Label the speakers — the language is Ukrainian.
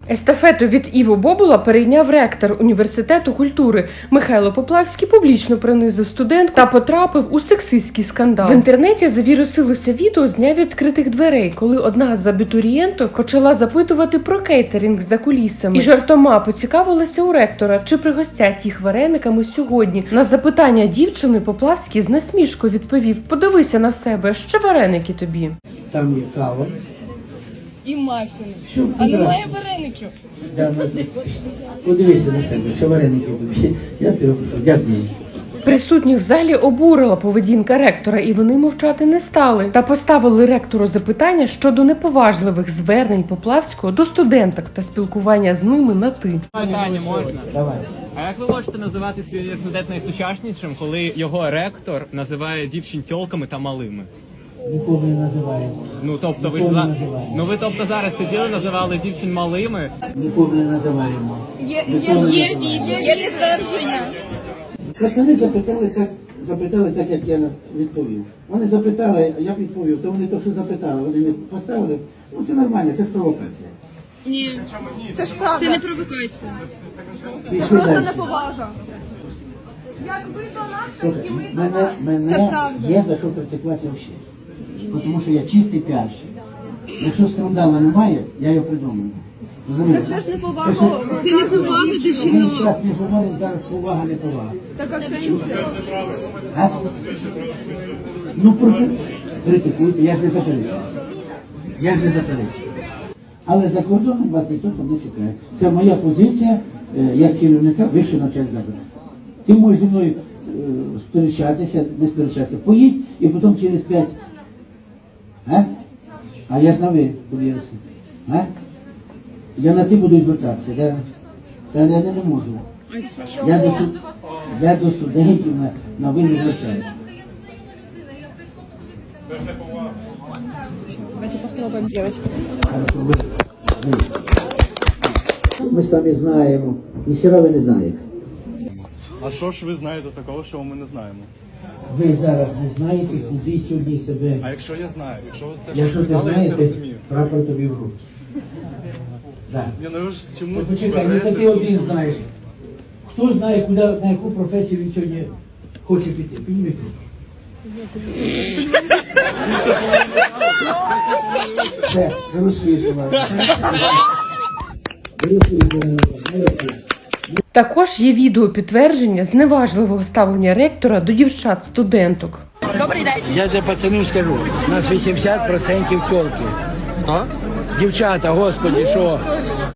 Speaker 1: Естафету від Іво Бобула перейняв ректор університету культури. Михайло Поплавський публічно принизив студентку та потрапив у сексистський скандал. В інтернеті завірусилося відео з дня відкритих дверей, коли одна з абітурієнток почала запитувати про кейтеринг за кулісами. І жартома поцікавилася у ректора, чи пригостять їх варениками сьогодні. На запитання дівчини Поплавський з насмішкою відповів: "Подивися на себе, ще вареники тобі".
Speaker 2: Там є кава.
Speaker 3: І мафіни.
Speaker 2: Що,
Speaker 3: А немає вареників.
Speaker 2: Да, подивися на себе, що вареники тобі. Я тебе прошу, дякую.
Speaker 1: Присутніх в залі обурила поведінка ректора, і вони мовчати не стали. Та поставили ректору запитання щодо неповажливих звернень Поплавського до студенток та спілкування з ними на «ти».
Speaker 4: Питання можна?
Speaker 2: Давай.
Speaker 4: А як ви можете називати свій університет найсучаснішим, коли його ректор називає дівчин тьолками та малими?
Speaker 2: Нікого не називаємо.
Speaker 4: Ну тобто ви ж
Speaker 2: Нікого не називаємо.
Speaker 4: тобто зараз сиділи, називали дівчин малими.
Speaker 2: Нікого не називаємо.
Speaker 3: Є відео, є підтвердження.
Speaker 2: Пацани запитали так, як я відповів. Вони запитали, а я відповів, то вони то, що запитали, вони не поставили. Ну це нормально, це ж провокація.
Speaker 5: Ні,
Speaker 3: Це ж правда.
Speaker 5: це не провокація.
Speaker 2: Пішли
Speaker 3: Просто
Speaker 2: далі.
Speaker 3: неповага. Як ви до нас, так
Speaker 2: Слухай,
Speaker 3: і ми до вас. Це
Speaker 2: мене
Speaker 3: правда.
Speaker 2: є за що критикувати взагалі. Тому що я чистий піарщик. Якщо скандалу немає, я його придумаю. Розумієте?
Speaker 3: Це ж неповага.
Speaker 5: Це не повага до
Speaker 2: Ми
Speaker 5: жінок.
Speaker 2: зараз не говоримо, зараз повага, не повага.
Speaker 3: Така сенсі.
Speaker 2: А? Ну, критикуйте, я ж не заперечую. Я ж не заперечую. Але за кордоном вас ніхто там не чекає. Це моя позиція як керівника вищого навчального закладу. Ти можеш зі мною сперечатися, не сперечатися. Поїдь і потім через 5. А я ж на ви довірився. Я на ти буду звертатися, да? Та я не можу. Я до студентів на ви не звертаюся.
Speaker 3: Давайте похлопаємо, дівчатки.
Speaker 2: Ми самі знаємо, ніхера ви не знаєте.
Speaker 6: А що ж ви знаєте такого, що ми не знаємо?
Speaker 2: Ви зараз не знаєте, куди сьогодні себе.
Speaker 6: А якщо я знаю, якщо ви все
Speaker 2: Якщо ти
Speaker 6: сказали, я
Speaker 2: знаєш,
Speaker 6: це розумію.
Speaker 2: прапор тобі в руки. Да.
Speaker 6: Ні, ну ви ж
Speaker 2: Ну,
Speaker 6: чомусь
Speaker 2: почекай, ну це ти один знаєш. Хто знає, куди, на яку професію він сьогодні хоче піти? Підніміть руку. Все, розпишемо.
Speaker 1: Також є відео підтвердження зневажливого ставлення ректора до дівчат-студенток.
Speaker 3: Добрий день.
Speaker 2: Я для пацанів скажу, у нас 80% тёлки.
Speaker 4: Хто?
Speaker 2: Дівчата, господи, що?